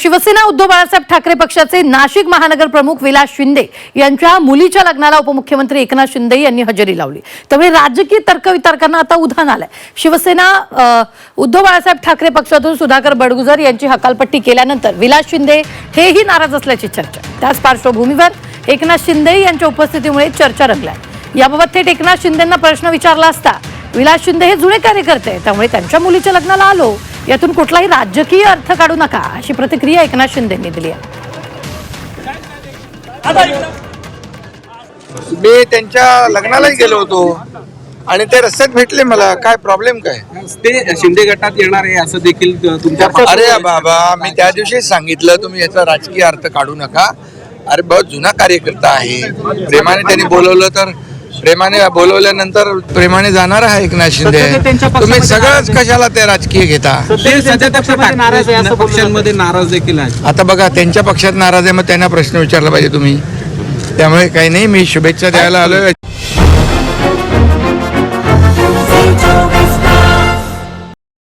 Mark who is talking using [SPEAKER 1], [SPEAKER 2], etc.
[SPEAKER 1] शिवसेना उद्धव बाळासाहेब ठाकरे पक्षाचे नाशिक महानगर प्रमुख विलास शिंदे यांच्या मुलीच्या लग्नाला उपमुख्यमंत्री एकनाथ शिंदे यांनी हजेरी लावली। त्यामुळे राजकीय तर्कवितर्कांना आता उधाण आलंय। शिवसेना उद्धव बाळासाहेब ठाकरे पक्षातून सुधाकर बडगुजर यांची हकालपट्टी केल्यानंतर विलास शिंदे हेही नाराज असल्याची चर्चा। त्याच पार्श्वभूमीवर एकनाथ शिंदे यांच्या उपस्थितीमुळे चर्चा रंगली। याबाबत थेट एकनाथ शिंदेंना प्रश्न विचारला असता विलास शिंदे हे जुने कार्यकर्ते, त्यामुळे त्यांच्या मुलीच्या लग्नाला आलो, यातून कुठलाही राजकीय अर्थ काढू नका अशी प्रतिक्रिया एकनाथ शिंदेंनी दिली आहे।
[SPEAKER 2] मी त्यांच्या लग्नालाही गेलो होतो आणि ते रस्त्यात भेटले मला। काय प्रॉब्लेम काय?
[SPEAKER 3] ते शिंदे गटात येणार आहे असं देखील तुमच्या
[SPEAKER 2] अरे बाबा, मी त्या दिवशीच सांगितलं तुम्ही याचा राजकीय अर्थ काढू नका। अरे बहुत जुना कार्यकर्ता आहे, प्रेमाने त्यांनी बोलवलं तर प्रेमाने बोलवल्यानंतर प्रेमाने जाणार आहे एकनाथ शिंदे। तुम्ही सगळंच कशाला ते राजकीय घेता?
[SPEAKER 3] पक्षांमध्ये नाराज देखील आहे।
[SPEAKER 2] आता बघा, त्यांच्या पक्षात नाराज आहे, मग त्यांना प्रश्न विचारला पाहिजे तुम्ही। त्यामुळे काही नाही, मी शुभेच्छा द्यायला आलोय।